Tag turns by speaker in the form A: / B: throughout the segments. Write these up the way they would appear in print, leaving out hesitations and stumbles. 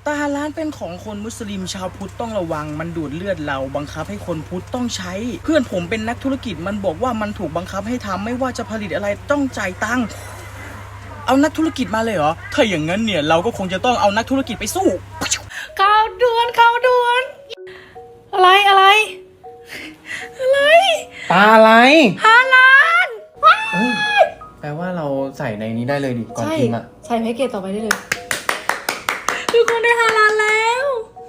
A: ตาฮาลาลเป็นของคนมุสลิมชาวพุทธต้องระวังมันดูดเลือดเราบังคับให้คนพุทธต้องใช้เพื่อนผมเป็นนักธุรกิจมันบอกว่ามันถูกบังคับให้ทำไม่ว่าจะผลิตอะไรต้องจ่ายตังค์เอานักธุรกิจมาเลยเหรอถ้าอย่างนั้นเนี่ยเราก็คงจะต้องเอานักธุรกิจไปสู้
B: ข่าวด่วนอะไร
C: ปลาอะไร
B: ฮาลาล
C: แปลว่าเราใส่ในนี้ได้เลยดิก่อนกินอ่ะ
B: ใส่แพ็กเกจต่อไปได้เลยทุกคนได้ฮาลาลแล้ว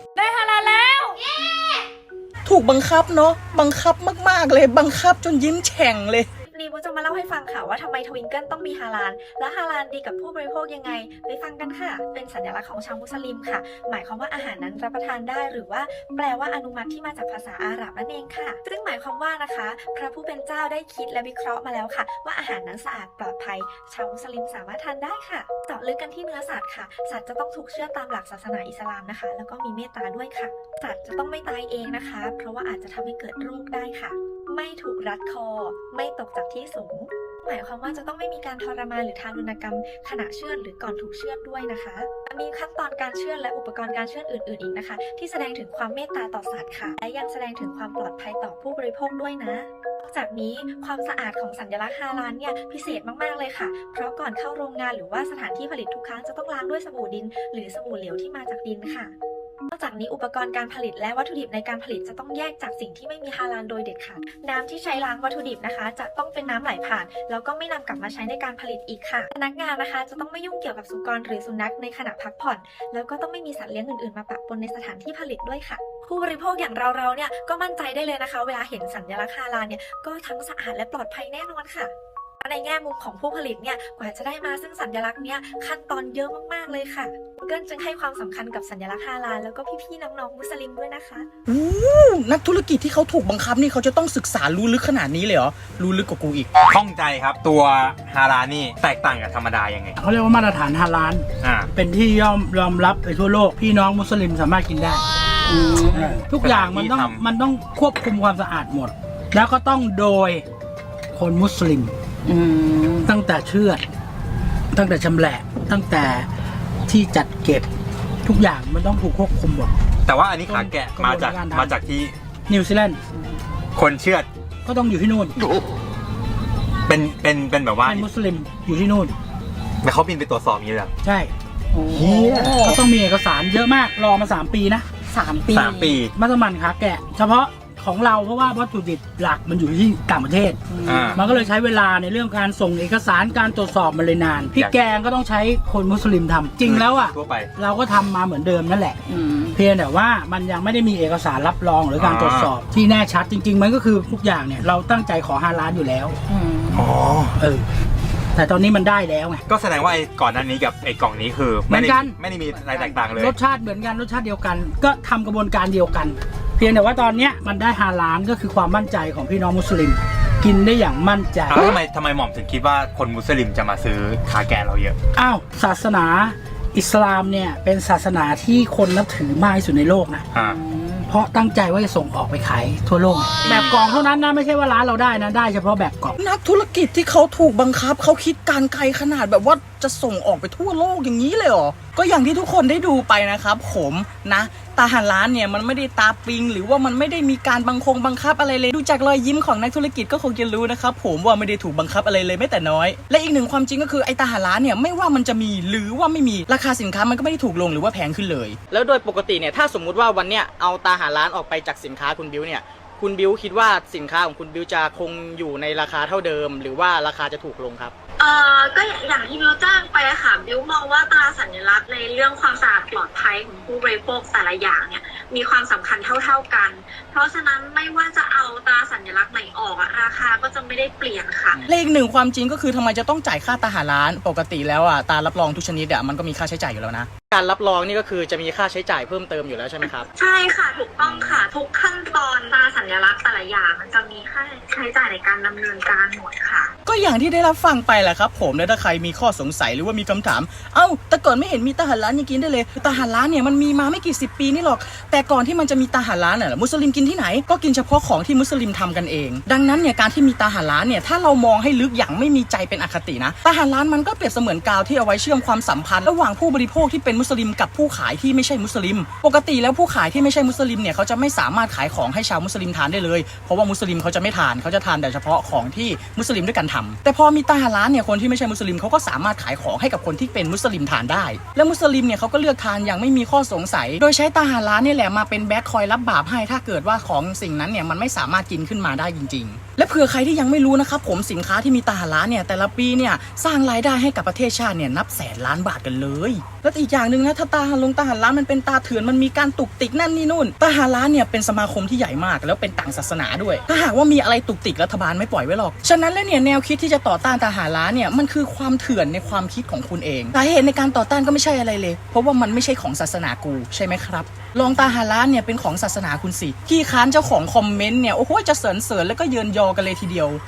A: ถูกบังคับเนาะบังคับมากๆเลยบังคับจนยิ้มแฉ่งเลย
D: นี้มูจะมาเล่าให้ฟังค่ะว่าทำไมทวิงเกิลต้องมีฮาลาลและฮาลาลดีกับผู้บริโภคยังไงไปฟังกันค่ะเป็นสัญลักษณ์ของชาวมุสลิมค่ะหมายความว่าอาหารนั้นรับประทานได้หรือว่าแปลว่าอนุมัติที่มาจากภาษาอาหรับนั่นเองค่ะซึ่งหมายความว่านะคะพระผู้เป็นเจ้าได้คิดและวิเคราะห์มาแล้วค่ะว่าอาหารนั้นสะอาดปลอดภัยชาวมุสลิมสามารถทานได้ค่ะเจาะลึกกันที่เนื้อสัตว์ค่ะสัตว์จะต้องถูกเชื่อตามหลักศาสนาอิสลามนะคะแล้วก็มีเมตตาด้วยค่ะสัตว์จะต้องไม่ตายเองนะคะเพราะว่าอาจจะทำให้เกิดโรคได้ค่ะไม่ถูกรัดคอไม่ตกจากที่สูงหมายความว่าจะต้องไม่มีการทรมานหรือทารุณกรรมขณะเชือดหรือก่อนถูกเชือดด้วยนะคะมีขั้นตอนการเชือดและอุปกรณ์การเชือดอื่นๆอีกนะคะที่แสดงถึงความเมตตาต่อสัตว์ค่ะและยังแสดงถึงความปลอดภัยต่อผู้บริโภคด้วยนะนอกจากนี้ความสะอาดของสัญลักษณ์ฮาลาลเนี่ยพิเศษมากๆเลยค่ะเพราะก่อนเข้าโรงงานหรือว่าสถานที่ผลิตทุกครั้งจะต้องล้างด้วยสบู่ดินหรือสบู่เหลวที่มาจากดินค่ะนอกจากนี้อุปกรณ์การผลิตและวัตถุดิบในการผลิตจะต้องแยกจากสิ่งที่ไม่มีฮาลาลโดยเด็ดขาดน้ำที่ใช้ล้างวัตถุดิบนะคะจะต้องเป็นน้ำไหลผ่านแล้วก็ไม่นำกลับมาใช้ในการผลิตอีกค่ะพนักงานนะคะจะต้องไม่ยุ่งเกี่ยวกับสุกรหรือสุนัขในขณะพักผ่อนแล้วก็ต้องไม่มีสัตว์เลี้ยงอื่นๆมาปะปนในสถานที่ผลิตด้วยค่ะผู้บริโภคอย่างเราเนี่ยก็มั่นใจได้เลยนะคะเวลาเห็นสัญลักษณ์ฮาลาลเนี่ยก็ทั้งสะอาดและปลอดภัยแน่นอนค่ะในแง่มุมของผู้ผลิตเนี่ยกว่าจะได้มาซึ่งสัญลักษณ์เนี่ยขั้นตอนเยอะมากๆเลยค่ะเกิลจึงให้ความสำคัญกับสัญลักษณ์ฮาลาลแล้วก็พี่ๆน้องๆมุสลิมด้วยนะคะ
A: นักธุรกิจที่เขาถูกบังคับนี่เขาจะต้องศึกษารู้ลึกขนาดนี้เลยเหรอรู้ลึกกว่ากูอีก
E: ข้องใจครับตัวฮาลาลนี่แตกต่างกับธรรมดายังไง
F: เขาเรียกว่ามาตรฐานฮาลาลเป็นที่ยอมรับไปทั่วโลกพี่น้องมุสลิมสามารถกินได้ทุกอย่างมันต้องควบคุมความสะอาดหมดแล้วก็ต้องโดยคนมุสลิมตั้งแต่เชือดตั้งแต่ชำแหละตั้งแต่ที่จัดเก็บทุกอย่างมันต้องถูกควบคุมหมด
E: แต่ว่าอันนี้ขาแกะมาจากที่
F: นิวซีแลนด์
E: คนเชือด
F: ก็ต้องอยู่ที่นู่น
E: เป็นแบบว่า
F: เป็นมุสลิมอยู่ที่นู่น
E: แต่เขาบินไปตรวจสอบนี้เหรอ
F: ใช่ก็ต้องมีเอกสารเยอะมากรอมา3 ปีนะ
E: 3 ปี
F: มัสมั่นขาแกะเฉพาะของเราเพราะว่าวัตถุดิบหลักมันอยู่ที่ต่างประเทศมันก็เลยใช้เวลาในเรื่องการส่งเอกสารการตรวจสอบมันเลยนานพี่แกงก็ต้องใช้คนมุสลิมทำจริงแล้วอ่ะเราก็ทำมาเหมือนเดิมนั่นแหละเพียงแต่ว่ามันยังไม่ได้มีเอกสารรับรองหรือการตรวจสอบที่แน่ชัดจริงๆมันก็คือทุกอย่างเนี่ยเราตั้งใจขอฮาลาลอยู่แล้วแต่ตอนนี้มันได้แล้วไง
E: ก็แสดงว่าไอ้ก่อนหน้านี้กับไอ้กล่องนี้คือไม่ได้มีอะไรแตกต่างเลย
F: รสชาติเหมือนกันรสชาติเดียวกันก็ทำกระบวนการเดียวกันเพียงแต่ว่าตอนนี้มันได้ฮาลาลก็คือความมั่นใจของพี่น้องมุสลิมกินได้อย่างมั่นใจ
E: ทำไมหม่อมถึงคิดว่าคนมุสลิมจะมาซื้อขาแกะเราเยอะ
F: ศาสนาอิสลามเนี่ยเป็นศาสนาที่คนนับถือมากที่สุดในโลกนะเพราะตั้งใจว่าจะส่งออกไปขายทั่วโลกแบบกล่องเท่านั้นนะไม่ใช่ว่าร้านเราได้นะได้เฉพาะแบบกล่อง
A: นักธุรกิจที่เขาถูกบังคับเขาคิดการไกลขนาดแบบว่าจะส่งออกไปทั่วโลกอย่างนี้เลยเหรอก็อย่างที่ทุกคนได้ดูไปนะครับผมนะตาฮาลาลเนี่ยมันไม่ได้ตาปิงหรือว่ามันไม่ได้มีการบังคับอะไรเลยดูจากรอยยิ้มของนักธุรกิจก็คงจะรู้นะครับผมว่าไม่ได้ถูกบังคับอะไรเลยแม้แต่น้อยและอีกหนึ่งความจริงก็คือไอ้ตาฮาลาลเนี่ยไม่ว่ามันจะมีหรือว่าไม่มีราคาสินค้ามันก็ไม่ได้ถูกลงหรือว่าแพงขึ้นเลยแล้วโดยปกติเนี่ยถ้าสมมุติว่าวันเนี้ยเอาตาฮาลาลออกไปจากสินค้าคุณบิวเนี่ยคุณบิวคิดว่าสินค้าของคุณบิวจะคงอยู่ในราคาเท่าเดิมหรือว่าราคาจะถูกลงครับ
D: ก็อย่างที่บิวแจ้งไปค่ะบิวมองว่าตราสัญลักษณ์ในเรื่องความสะอาดปลอดภัยของผู้บริโภคแต่ละอย่างเนี่ยมีความสำคัญเท่ากันเพราะฉะนั้นไม่ว่าจะเอาตราสัญลักษณ์ไหนออกราคาก็จะไม่ได้เปลี่ยนค่ะ
A: และอีกหนึ่งความจริงก็คือทำไมจะต้องจ่ายค่าตาฮาลาลปกติแล้วตารับรองทุกชนิดมันก็มีค่าใช้จ่ายอยู่แล้วนะการรับรองนี่ก็คือจะมีค่าใช้จ่ายเพิ่มเติมอยู่แล้วใช่ไหมครับ
D: ใช่ค่ะถูกต้องค่ะทุกขั้นตอนตราสัญลักษณ์แต่ละอย่างมันจะมีค่าใช้จ่ายในการดำเนินการหมดค่ะ
A: ก็อย่างที่ได้รับฟังไปแหละครับผมและถ้าใครมีข้อสงสัยหรือว่ามีคำถามแต่ก่อนไม่เห็นมีตาฮาลาลยังกินได้เลยตาฮาลาลเนี่ยมันมีมาไม่กี่10 ปีนี่หรอกแต่ก่อนที่มันจะมีตาฮาลาลเนี่ยมุสลิมกินที่ไหนก็กินเฉพาะของที่มุสลิมทำกันเองดังนั้นเนี่ยการที่มีตาฮาลาลเนี่ยถ้าเรามองให้ลึกอย่างไม่มีใจเป็นอคตินะตาฮาลาลมันก็เปรียบเสมือนกาวที่เอาไว้เชื่อมความสัมพันธ์ระหว่างผู้บริโภคที่เป็นเป็นมุสลิมกับผู้ขายที่ไม่ใช่มุสลิมปกติแล้วผู้ขายที่ไม่ใช่มุสลิมเนี่ยเขาจะไม่สามารถขายของให้ชาวมุสลิมทานได้เลยเพราะว่ามุสลิมเขาจะไม่ทานเขาจะทานแต่เฉพาะของที่มุสลิมด้วยกันทำแต่พอมีตาฮาลาลเนี่ยคนที่ไม่ใช่มุสลิมเขาก็สามารถขายของให้กับคนที่เป็นมุสลิมทานได้และมุสลิมเนี่ยเขาก็เลือกทานอย่างไม่มีข้อสงสัยโดยใช้ตาฮาลาลเนี่ยแหละมาเป็นแบ็คคอยรับบาปให้ถ้าเกิดว่าของสิ่งนั้นเนี่ยมันไม่สามารถกินขึ้นมาได้จริงๆและเผื่อใครที่ยังไม่รู้นะครับผมสินค้าที่มีตาฮาลาลเนี่ยแต่ละปีเนี่ยสร้างรายได้ให้กับประเทศชาติเนี่ยนับแสนล้านบาทกันเลยและอีกอย่างหนึ่งนะถ้าตาฮาลาลมันเป็นตาเถื่อนมันมีการตุกติกนั่นนี่นู่นตาฮาลาลเนี่ยเป็นสมาคมที่ใหญ่มากแล้วเป็นต่างศาสนาด้วยถ้าหากว่ามีอะไรตุกติกรัฐบาลไม่ปล่อยไว้หรอกฉะนั้นแล้วเนี่ยแนวคิดที่จะต่อต้านตาฮาลาลเนี่ยมันคือความเถื่อนในความคิดของคุณเองสาเหตุในการต่อต้านก็ไม่ใช่อะไรเลยเพราะว่ามันไม่ใช่ของศาสนากูใช่ไหมครับลองตาฮาลาลเนี่ยเป็นของศาสนาคุณสิขี้ค้านเจ้าของคอมเมนต์เนี่ยโอ้โหจะเสริญแล้วก็เยินยอกันเลยทีเดียว